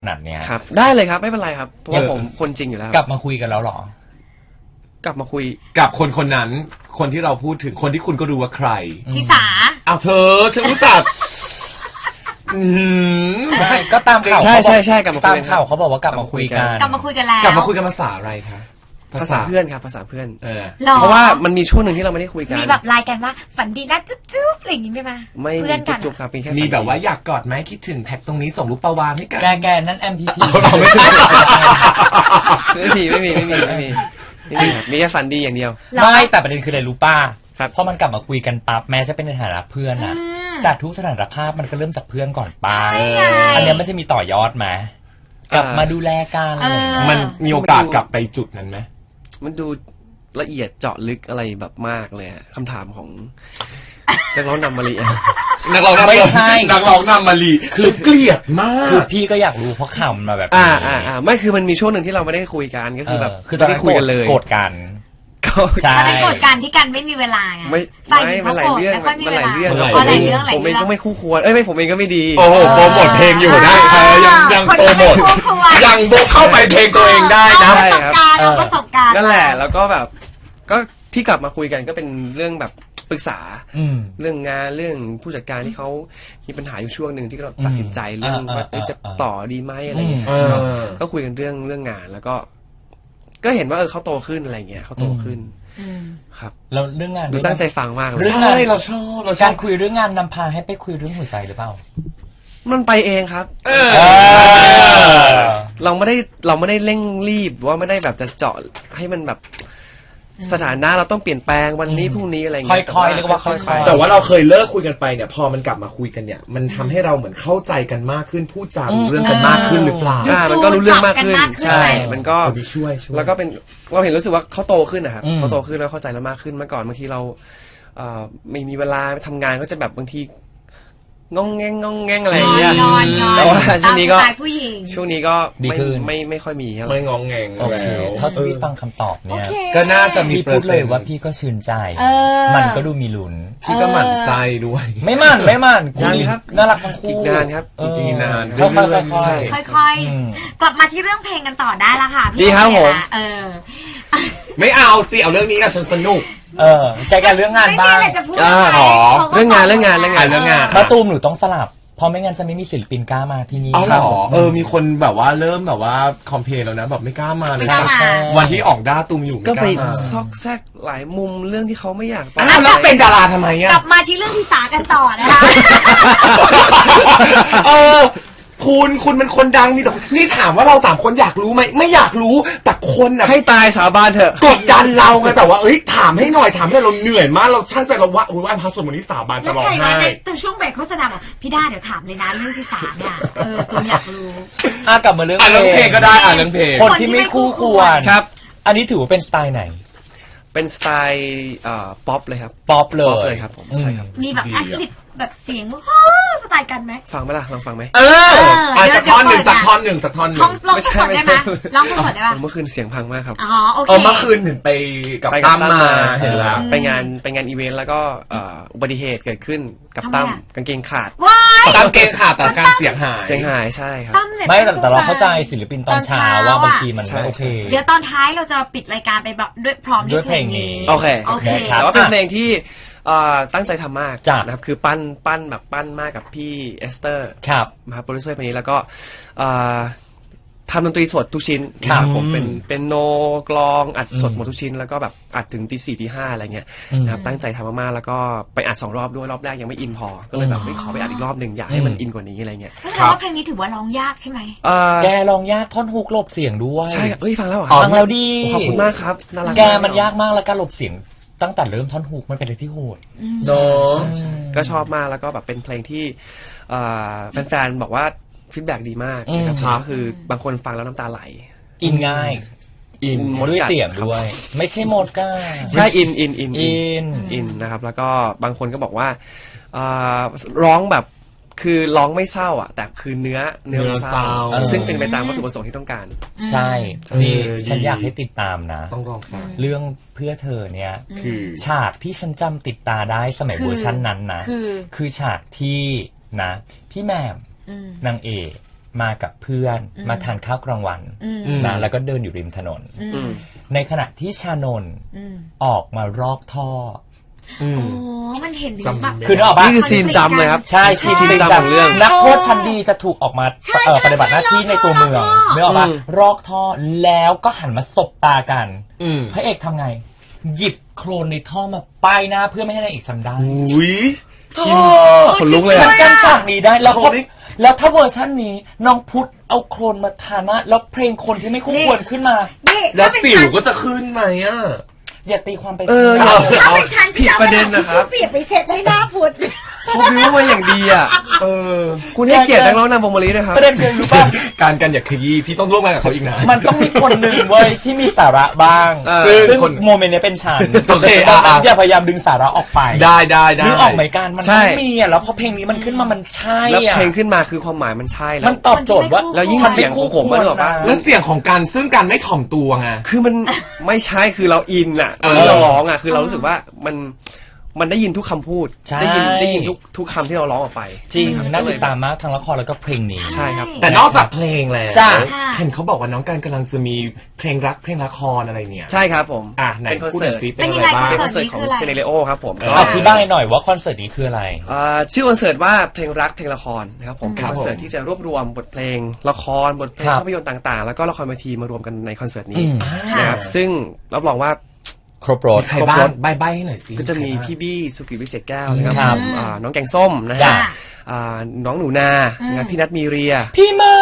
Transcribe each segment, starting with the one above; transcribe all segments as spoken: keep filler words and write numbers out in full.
ขนาดเนี้ยครับได้เลยครับไม่เป็นไรครับเพราะว่าผมคนจริงอยู่แล้วกลับมาคุยกันแล้วหรอกลับมาคุยกับคนคนนั้นคนที่เราพูดถึงคนที่คุณก็รู้ว่าใครทิสาอ้าวเธอฉันรู้จักใช่ก็ตามข่าวใช่ใช่ใช่กลับมาตามข่าวเขาบอกว่ากลับมาคุยกันกลับมาคุยกันแล้วกลับมาคุยกันภาษาอะไรคะภาษาเพื่อนครับภาษาเพื่อนเพราะว่ามันมีช่วงหนึ่งที่เราไม่ได้คุยกันมีแบบไลน์กันว่าฝันดีนะจุ๊บจุ๊บอะไรอย่างงี้ไหมมาไม่เพื่อนกันจุ๊บครับมีแค่มีแบบว่าอยากกอดไหมคิดถึงแท็กตรงนี้ส่งรูปปลาวานให้กันแกแกนั่น เอ็ม พี พีไม่มีไม่มีไม่มีไม่มีไม่มีมีแค่ฝันดีอย่างเดียวไม่แต่ประเด็นคืออะไรรู้ป้าพอมันกลับมาคุยกันปั๊บแม้จะเป็นในฐานะเพื่อนนะแต่ทุกสถานภาพมันก็เริ่มจากเพื่อนก่อนป้าอันนี้มันจะมีต่อยอดไหมกลับมาดูแลกันมันมีโอกาสกลับไปจุดนั้นไหมมันดูละเอียดเจาะลึกอะไรแบบมากเลยคำถามของนักร้องนำมาลีนักร้องไม่ใช่นักร้องนำมาลีคือเกลียดมากคือพี่ก็อยากรู้เพราะข่าวมันมาแบบอ่าอ่าอ่าไม่คือมันมีช่วงหนึ่งที่เราไม่ได้คุยกันก็คือแบบคือตอนนั้นคุยกันเลยโกรธกันใช่ไม่โกรธกันที่กันไม่มีเวลาไงไม่ไม่มันหลายเรื่องมันหลายเรื่องหลายเรื่องผมเองก็ไม่คู่ควรเอ้ยไม่ผมเองก็ไม่ดีโอ้โหโปรโมทเพลงอยู่ได้ยังยังโปรโมทยังโบเข้าไปเพลงตัวเองได้นะประสบการณ์ประสบการณ์นั่นแหละแล้วก็แบบก็ที่กลับมาคุยกันก็เป็นเรื่องแบบปรึกษาเรื่องงานเรื่องผู้จัดการที่เขามีปัญหาอยู่ช่วงหนึ่งที่เราตัดสินใจเรื่องว่าจะต่อดีไหมอะไรเงี้ยก็คุยกันเรื่องเรื่องงานแล้วก็ก็เห็นว่าเออเขาโตขึ้นอะไรเงี้ยเขาโตขึ้นครับแล้วเรื่องงานดูตั้งใจฟังมากเลยใช่เราชอบเราการคุยเรื่องงานนำพาให้ไปคุยเรื่องหัวใจหรือเปล่ามันไปเองครับเราไม่ได้เราไม่ได้เร่งรีบว่าไม่ได้แบบจะเจาะให้มันแบบสถานะเราต้องเปลี่ยนแปลงวันนี้พรุ่งนี้อะไรเงี้ยค่อยๆเรียกว่าค่อยๆแต่ว่าเราเคยเลิกคุยกันไปเนี่ยพอมันกลับมาคุยกันเนี่ยมันทำให้เราเหมือนเข้าใจกันมากขึ้นพูดจารู้เรื่องกันมากขึ้นหรือเปล่ามันก็รู้เรื่องมากขึ้นใช่มันก็ช่วยแล้วก็เป็นเราเห็นรู้สึกว่าเขาโตขึ้นนะครับเขาโตขึ้นแล้วเข้าใจเรามากขึ้นเมื่อก่อนบางทีเราไม่มีเวลาทำงานก็จะแบบบางทีงงแงงงงแงงอะไรอย่างเงี้ยแต่ว่าช่วงนี้ก็ช่วงนี้ก็ดีขึ้นไม่ไม่ค่อยมีไม่งงแงงโอเคถ้าพี่ฟังคำตอบเนี่ยก็น่าจะมีพี่พูดเลยว่าพี่ก็ชื่นใจมันก็ดูมีลุ้นพี่ก็หมั่นไส้ด้วยไม่หมั่นไม่หมั่นคุณน่ารักทั้งคู่อีกนานครับอีกนานค่อยๆค่อยๆกลับมาที่เรื่องเพลงกันต่อได้ละค่ะพี่ดีครับผมเออไม่เอาสิเอาเรื่องนี้กับฉันสนุกเออแกแกเรื่องงานบ้างอ๋อเรื่องงานเรื่องงานเรื่องงานเรื่องงานมาตูมหนูต้องสลับเพราะไม่งั้นจะไม่มีศิลปินกล้ามาที่นี่ครับเออมีคนแบบว่าเริ่มแบบว่าคอมเพลนแล้วนะแบบไม่กล้ามาเลยวันที่ออกด้าตูมอยู่ก็ไปซอกแซกหลายมุมเรื่องที่เขาไม่อยากไปแล้วเป็นดาราทำไมอ่ะกลับมาที่เรื่องที่สากันต่อนะคะเออคุณคุณเป็นคนดังมีแต่นี่ถามว่าเราสามคนอยากรู้ไหมไม่อยากรู้แต่คนอ่ะให้ตายสาบานเถอะกดดันเราไงแบบว่าเอ้ยถามให้หน่อยถามให้เราเหนื่อยมากเราช่างใจเราว่าโอ้ยวันพระสวดมนต์นี้สาบานจะร้องไห้แต่ช่วงเบรกโฆษณาบอกพี่ด้าเดี๋ยวถามเลยนะเรื่องที่สามเนี่ยเออตัวอยากรู้อ่ะกลับมาเรื่องเพลงก็ได้อ่ะเรื่องเพลงคนที่ไม่คู่ควรครับอันนี้ถือว่าเป็นสไตล์ไหนเป็นสไตล์ป๊อปเลยครับป๊อปเลยครับผมใช่ครับมีแบบอัดลิปแบบเสียงสไตล์กันไหมฟังไหมล่ะลองฟังไหมเออสักท่อนหนึ่งสักท่อนหนึ่งสักท่อนหนึ่งลองสดได้ไหมลองสดได้ป่ะเมื่อคืนเสียงพังมากครับอ๋อโอเคเมื่อคืนเห็นไปกับตั้มมาเห็นแล้วไปงานไปงานอีเวนต์แล้วก็อุบัติเหตุเกิดขึ้นกับตั้มกางเกงขาดกางเกงขาดแต่การเสียงหายเสียงหายใช่ครับไม่แต่เราเข้าใจศิลปินตอนเช้าว่าบางทีมันไม่โอเคเดี๋ยวตอนท้ายเราจะปิดรายการไปด้วยพร้อมด้วยเพลงนี้โอเคโอเคแต่ว่าเป็นเพลงที่ตั้งใจทำมากนะครับคือปั้นปั้นแบบปั้นมากกับพี่เอสเตอร์ครับมาโปรดิวเซอร์คนนี้แล้วก็ทำดนตรีสดทุกชิ้นครับผมเป็นเป็นโนกลองอัดสดหมดทุกชิ้นแล้วก็แบบอัดถึงตีสี่ตีห้าอะไรเงี้ยนะครับตั้งใจทำมากๆแล้วก็ไปอัดสองรอบด้วยรอบแรกยังไม่อินพอก็เลยแบบไม่ขอไปอัดอีกรอบหนึ่งอยากให้มันอินกว่านี้อะไรเงี้ยแต่ว่าเพลงนี้ถือว่าร้องยากใช่ไหมแกร้องยากท่อนฮุกหลบเสียงด้วยใช่เอ้ยฟังแล้วฟังแล้วดีขอบคุณมากครับน่ารักแกมันยากมากแล้วการหลบเสียงตั้งแต่เริ่มท่อนฮุกมันเป็นอะไรที่โหดเนาะก็ชอบมากแล้วก็แบบเป็นเพลงที่แฟนๆบอกว่าฟีดแบ็ดีมากนะครับก็คือบางคนฟังแล้วน้ำตาไหลอินง่ายอินด้วยเสียงด้วยไม่ใช่หมดก้าใช่อินอินอินอินอินนะครับแล้วก็บางคนก็บอกว่าร้องแบบคือร้องไม่เศร้าอ่ะแต่คือเนื้อเนื้อเศร้าซึ่งเป็นไปตามวัตถุประสงค์ที่ต้องการใช่นี่ฉันอยากให้ติดตามนะต้องลองฟังเรื่องเพื่อเธอเนี่ยคือฉากที่ฉันจำติดตาได้สมัยเวอร์ชันนั้นนะคือฉากที่นะพี่แหม่มนางเอกมากับเพื่อนมาทานข้าวกลางวันนะแล้วก็เดินอยู่ริมถนนในขณะที่ชานนท์ออกมารอกท่อโอ้มันเห็นดีมากคือนึกออกปะนี่คือซีนจำเลยครับใช่ซีนจำของเรื่องนักโทษชั้นดีจะถูกออกมาปฏิบัติหน้าที่ในตัวเมืองนึกออกปะรอกท่อแล้วก็หันมาสบตากันพระเอกทำไงหยิบโคลนในท่อมาป้ายหน้าเพื่อไม่ให้นางเอกจำได้อุ้ยกินขนลุกเลยฉันกันฉากนี้ได้แล้วแล้วถ้าเวอร์ชันนี้น้องพุทธเอาโคลนมาทาหน้าแล้วเพลงคนที่ไม่คู่ควรขึ้นมาแล้วสิวก็จะขึ้นไหมอ่ะอย่าตีความไปเออถ้าเป็นฉันผิดประเด็นนะครับเปียกไปเช็ดให้หน้าพุทธเขาบิวมาอย่างดีอ่ะเออคุณให้เกียรตินักร้องนำวงมะลินะครับประเด็นคือรู้ป่ะการกันอย่าขยี้พี่ต้องร่วมงานกับเขาอีกนะมันต้องมีคนหนึ่งเว้ยที่มีสาระบ้างซึ่งโมเมนต์นี้เป็นฉันโอเคอย่าพยายามดึงสาระออกไปได้ได้ได้นึกออกไหมกันมันไม่มีอ่ะแล้วพอเพลงนี้มันขึ้นมามันใช่อ่ะแล้วเพลงขึ้นมาคือความหมายมันใช่แล้วมันตอบโจทย์ว่าแล้วยิ่งเสียงของผมมันแบบว่าแล้วเสียงของการซึ่งการไม่ถ่อมตัวไงคือมันไม่ใช่คือเราอินอ่ะเราร้องอ่ะคือเรารู้สึกว่ามันมันได้ยินทุกคำพูดได้ยินได้ยินทุกทุกคำที่เราร้องออกไปจริงน่าติดตามมากทั้งละครแล้วก็เพลงนี้ใช่ครับแต่นอกจากเพลงแล้วเห็นเขาบอกว่าน้องการกำลังจะมีเพลงรักเพลงละครอะไรเนี่ยใช่ครับผมอ่ะไหนพูดหน่อยซิเป็นอะไรบ้างเป็นคอนเสิร์ตของเซเนเรโอครับผมอธิบายหน่อยว่าคอนเสิร์ตนี้คืออะไรชื่อคอนเสิร์ตว่าเพลงรักเพลงละครนะครับผมเป็นคอนเสิร์ตที่จะรวบรวมบทเพลงละครบทเพลงภาพยนตร์ต่างๆแล้วก็ละครเวทีมารวมกันในคอนเสิร์ตนี้นะครับซึ่งรับรองว่าครบรถใครบ้างใบใบให้หน่อยสิก็จะมีพี่บี้สุกิวิเศษแก้วนะครับน้องแกงส้มนะฮะน้องหนูนาพี่นัทมีเรียพี่มา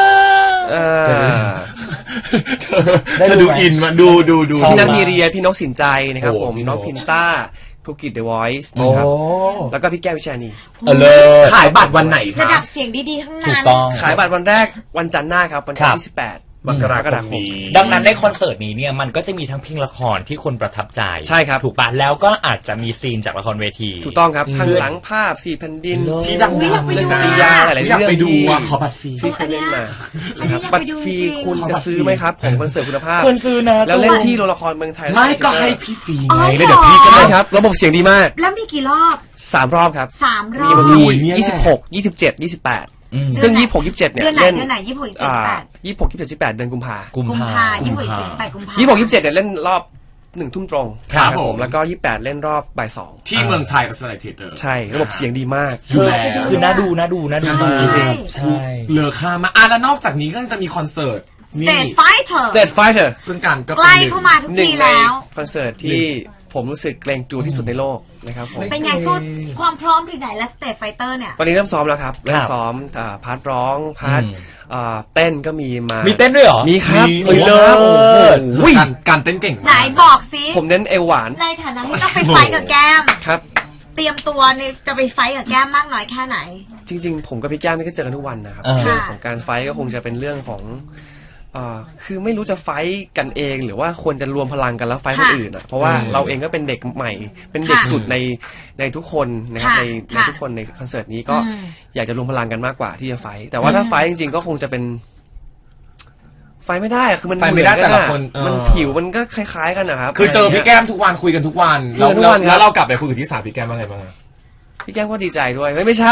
ได้ดูอินมาดูดูดูพี่นัทมีเรียพี่นกสินใจนะครับผมน้องพินต้าธุรกิจ The Voice นะครับแล้วก็พี่แก้ววิชานีเออเลยขายบัตรวันไหนครับระดับเสียงดีๆทั้งนั้นขายบัตรวันแรกวันจันทร์หน้าครับวันที่สิบแปดมกราคมดังนั้นในคอนเสิร์ตนี้เนี่ยมันก็จะมีทั้งเพลงละครที่คนประทับใจใช่ครับถูกปะแล้วก็อาจจะมีซีนจากละครเวทีถูกต้องครับข้างหลังภาพสี่แผ่นดินที่ดังๆเลยนะยาหลายๆเรื่องที่ขอบัตรฟรีที่เคยเล่นมาบัตรฟรีคุณจะซื้อไหมครับของคอนเสิร์ตคุณภาพควรซื้อนะแล้วเล่นที่โรงละครเมืองไทยไม่ก็ให้พี่ฟรีไงเลยเดี๋ยวพี่ก็ได้ครับระบบเสียงดีมากแล้วมีกี่รอบสามรอบครับสามรอบมียี่สิบหกยี่สิบเจ็ดยี่สิบแปดซึ่งยี่สิบหกยี่สิบเจ็ดเนี่ยเล่นเดือนไหนยี่สิบหกยี่สิบแปดยี่สิบหกยี่สิบเจ็ดยี่สิบแปดเดือนกุมภากุมภายี่สิบหกยี่สิบแปดกุมภายี่สิบหกยี่สิบเจ็ดเนี่ยเล่นรอบหนึ่งทุ่มตรงครับผมแล้วก็ยี่สิบแปดเล่นรอบบ่ายสองที่เมืองไทยกับสไลเทเตอร์ใช่ระบบเสียงดีมากคือน่าดูน่าดูน่าดูใช่ใช่เหลือค่ามาอ่ะแล้วนอกจากนี้ก็จะมีคอนเสิร์ต State Fighter State Fighter ซึ่งการก็ใกล้เข้ามาทุกทีแล้วคอนเสิร์ตที่ผมรู้สึกเกรงกลัวที่สุดในโลกนะครับผมเป็นไงสู้ความพร้อมถึงไหนและ State Fighter เนี่ยตอนนี้เริ่มซ้อมแล้วครับเริ่มซ้อมพาร์ทร้องพาร์ทเต้นก็มีมามีเต้นด้วยเหรอมีครับมีเลยโอ้โหการเต้นเก่งไหนบอกสิผมเน้นเอวหวานในฐานะที่ต้องไปไฟกับแก้มครับเตรียมตัวเนี่ยจะไปไฟกับแก้มมากน้อยแค่ไหนจริงๆผมกับพี่แก้มนี่ก็เจอกันทุกวันนะครับเรื่องของการไฟก็คงจะเป็นเรื่องของคือไม่รู้จะไฟกันเองหรือว่าควรจะรวมพลังกันแล้วไฟคนอื่นอ่ะเพราะว่าเราเองก็เป็นเด็กใหม่เป็นเด็กสุดในในทุกคนนะครับในในทุกคนในคอนเสิร์ตนี้ก็อยากจะรวมพลังกันมากกว่าที่จะไฟแต่ว่าถ้าไฟจริงๆก็คงจะเป็นไฟไม่ได้อะคือมันไฟไม่ได้แต่ละคนมันผิวมันก็คล้ายๆกันนะครับคือเจอพี่แก้มทุกวันคุยกันทุกวันแล้วแล้วเรากลับไปคุยกับที่สามพี่แก้มว่าไงบ้างพี่แก้มก็ดีใจด้วยไม่ไม่ใช่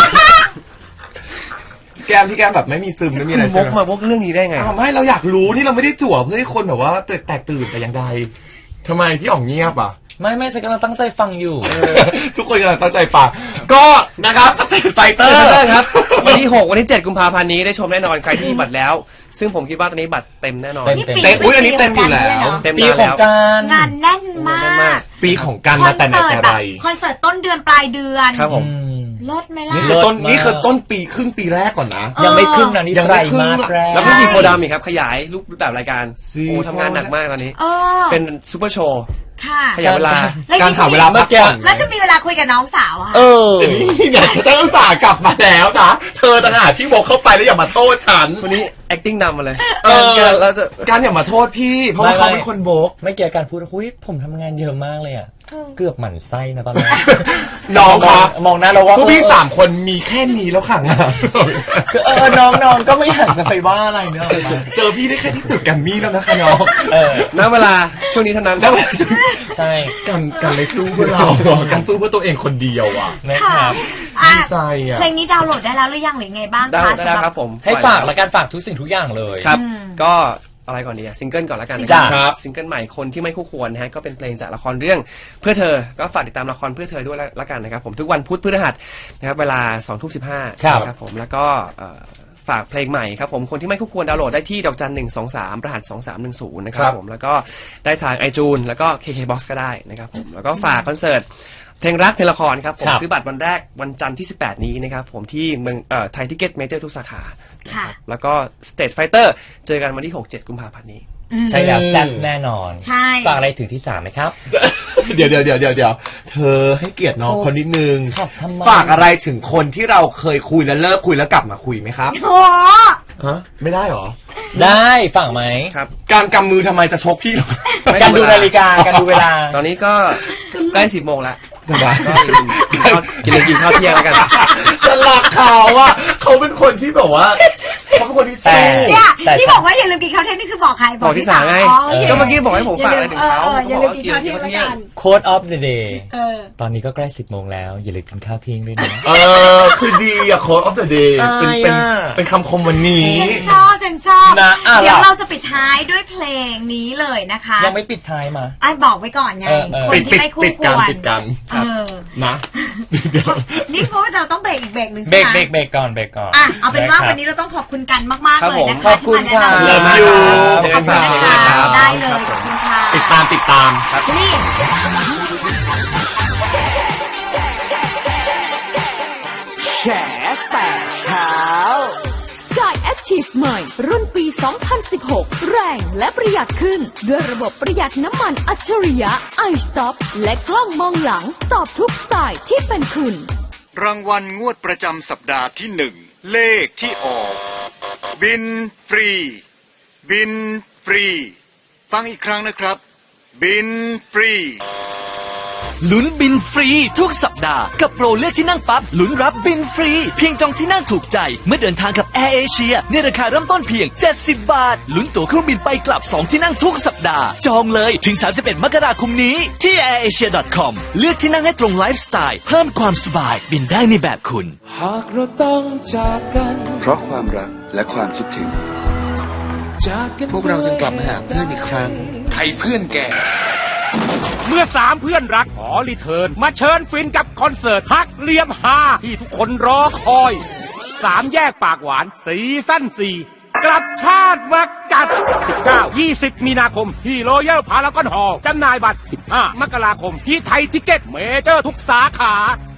แก้มที่แก้มแบบไม่มีซึมไม่มีอะไรใช่ไหมวกมาวกเรื่องนี้ได้ไงทำให้เราอยากรู้นี่เราไม่ได้จั่วเพื่อให้คนแบบว่าแตกตื่นแต่อย่างใดทำไมพี่อ๋องเงียบอ่ะไม่ไม่ฉันกำลังตั้งใจฟังอยู่ทุกคนกำลังตั้งใจฟังก็นะครับสเตทไฟเตอร์ครับวันที่หกวันที่เจ็ดกุมภาพันธ์นี้ได้ชมแน่นอนใครที่มีบัตรแล้วซึ่งผมคิดว่าตอนนี้บัตรเต็มแน่นอนเต็มอุ้ยอันนี้เต็มอยู่แล้วเต็มปีของการงานแน่นมากปีของการมาแต่ไหนแต่ไรคอนเสิร์ตต้นเดือนปลายเดือนครับผมลดไหมล่ะนี่คือต้นนี่คือต้นปีครึ่งปีแรกก่อนนะยังไม่ครึ่งนะนี่ไตรมาสแรกแล้วก็สีโพดามอีกครับขยายรูปแบบรายการโอ้ทำงานหนักมากตอนนี้เป็นซูเปอร์โชว์ขยายเวลาการหาเวลาพักผ่อนแล้วจะมีเวลาคุยกับน้องสาวอ่ะเออนี่ไงฉันต้องสากลับมาแล้วนะเธอต่างหากที่บอกเข้าไปแล้วอย่ามาโทษฉันวันนี้ acting นำมาเลยการเราจะการอย่ามาโทษพี่เพราะว่าเขาเป็นคนโบกไม่เกี่ยวกับการพูดหุ้ยผมทำงานเยอะมากเลยอ่ะเกือบหมั่นไส้นะตอนแรกน้องคะมองหน้าเราว่าพวกพี่สามคนมีแค่นี้แล้วค่ะคือเออน้องๆก็ไม่อยากจะไปว่าอะไรเนอะเจอพี่ได้แค่ที่ตึกแกรมมี่แล้วนะคะน้องเออณเวลาช่วงนี้เท่านั้นใช่การการเลยสู้เพื่อเราการสู้เพื่อตัวเองคนเดียวอ่ะนะครับอ่ะดีใจอ่ะเพลงนี้ดาวน์โหลดได้แล้วหรือยังหรือไงบ้างได้คะได้แล้วครับผมให้ฝากแล้วกันฝากทุกสิ่งทุกอย่างเลยครับอืมก็อะไรก่อนดีอะซิงเกิลก่อนแล้วกันนะจ้ะครับซิงเกิลใหม่คนที่ไม่คู่ควรนะฮะก็เป็นเพลงจากละครเรื่องเพื่อเธอก็ฝากติดตามละครเพื่อเธอด้วยละกันนะครับผมทุกวันพุธพฤหัสนะครับเวลาสองทุ่มสิบห้าครับครับผมแล้วก็เอ่อฝากเพลงใหม่ครับผมคนที่ไม่คู่ควรดาวน์โหลดได้ที่ดอกจันหนึ่งสองสามรหัสสองสามหนึ่งศูนย์นะครับครับผมแล้วก็ได้ทาง iTunes แล้วก็ เค เค บ็อกซ์ ก็ได้นะครับผมแล้วก็ฝากคอนเสิร์ตเพลงรักเพลงละครครับผมครับซื้อบัตรวันแรกวันจันทร์ที่สิบแปดนี้นะครับผมที่เมืองเอ่อไทยทิเก็ตเมเจอร์ทุกสาขานะครับแล้วก็ Stage Fighter เจอกันวันที่หก เจ็ดกุมภาพันธ์นี้ใช่แล้วแซ่บแน่นอนใช่ฝากอะไรถึงที่สามไหมครับเดี๋ยวเดี๋ยวเดี๋ยวเดี๋ยวเดี๋ยวเธอให้เกียรติน้องคนนิดนึงครับทำไมฝากอะไรถึงคนที่เราเคยคุยแล้วเลิกคุยแล้วกลับมาคุยไหมครับโอ้ฮะไม่ได้หรอได้ฝากไหมครับการกำมือทำไมจะชกพี่หรอการดูนาฬิกาการดูเวลาตอนนี้ก็ใกล้สิบโมงแล้วสบายก็อย่าลืมกินข้าวกินเลี้ยงกินข้าวเที่ยงแล้วกันสลักเขาว่าเขาเป็นคนที่แบบว่าเขาเป็นคนที่แต่สู้เนี่ยแต่ที่บอกว่าอย่าลืมกินข้าวเที่ยงนี่คือบอกใครบอกที่สามไงอ๋อโอเคก็เมื่อกี้บอกให้ผมฝากอะไรถึงเขาอออย่าลืมกินเขาข้าวบอกเที่ยงว่ากินแล้วกัน Quote of the day เออตอนนี้ก็ใกล้สิบโมงแล้วอย่าลืมกินข้าวเที่ยงด้วยนะเออคือดีอะโค้ดออฟเดอะเดย์เป็นเป็นอะไรอะเป็นคำคมวันนี้เจนชอบเจนชอบนะอ่ะเดี๋ยวล่ะเราจะปิดท้ายด้วยเพลงนี้เลยนะคะยังไม่ปิดท้ายมาไอ้บอกไว้ก่อนไงเออเออคนที่ไม่คู่ปิดคกันวรปิดกันเออนะเดี๋ยวนี่เพราะว่าเราต้องเบรกอีกเบรกหนึ่งเบรใช่กไหมเบรกเบรกก่อนเบรกก่อนอ่ะเอาเป็นว่าะครับวันนี้เราต้องขอบคุณกันมากๆครับเลยนะผมคะขอบคุณที่มาแนะนำค่ะเลิฟยูขอบคุณนะคะได้เลยขอบคุณค่ะติดตามติดตามนี่แฉแต่เช้า Sky Active ใหม่รุ่นปี สองพันสิบหก แรงและประหยัดขึ้น ด้วยระบบประหยัดน้ำมันอัจฉริยะ iStop และกล้องมองหลังตอบทุกสไตล์ที่เป็นคุณรางวัลงวดประจำสัปดาห์ที่หนึ่งเลขที่ออก บินฟรี บินฟรี ฟังอีกครั้งนะครับ บินฟรีลุ้นบินฟรีทุกสัปดาห์กับโปรเลือกที่นั่งปั๊บลุ้นรับบินฟรี เพียงจองที่นั่งถูกใจเมื่อเดินทางกับแอร์เอเชียในราคาเริ่มต้นเพียงเจ็ดสิบบาทลุ้นตั๋วเครื่องบินไปกลับสองที่นั่งทุกสัปดาห์จองเลยถึงสามสิบเอ็ดมกราคมนี้ที่ แอร์เอเชีย ดอท คอม เลือกที่นั่งให้ตรงไลฟ์สไตล์เพิ่มความสบายบินได้ในแบบคุณหากเราต้องจากกันเพราะความรักและความคิดถึงจากกันพวกเราจึงกลับมาหาเพื่อนอีกครั้งไทยเพื่อนแก่เมื่อสามเพื่อนรักขอรีเทิร์นมาเชิญฟินกับคอนเสิร์ตฮักเหลี่ยมฮาที่ทุกคนรอคอยสามแยกปากหวานซีซั่นสี่กลับชาติมากัด สิบเก้า ยี่สิบ มีนาคมที่โรยัลพารากอนฮอลล์จำหน่ายบัตร สิบห้า มกราคมที่ไทยทิเก็ตเมเจอร์ทุกสาขา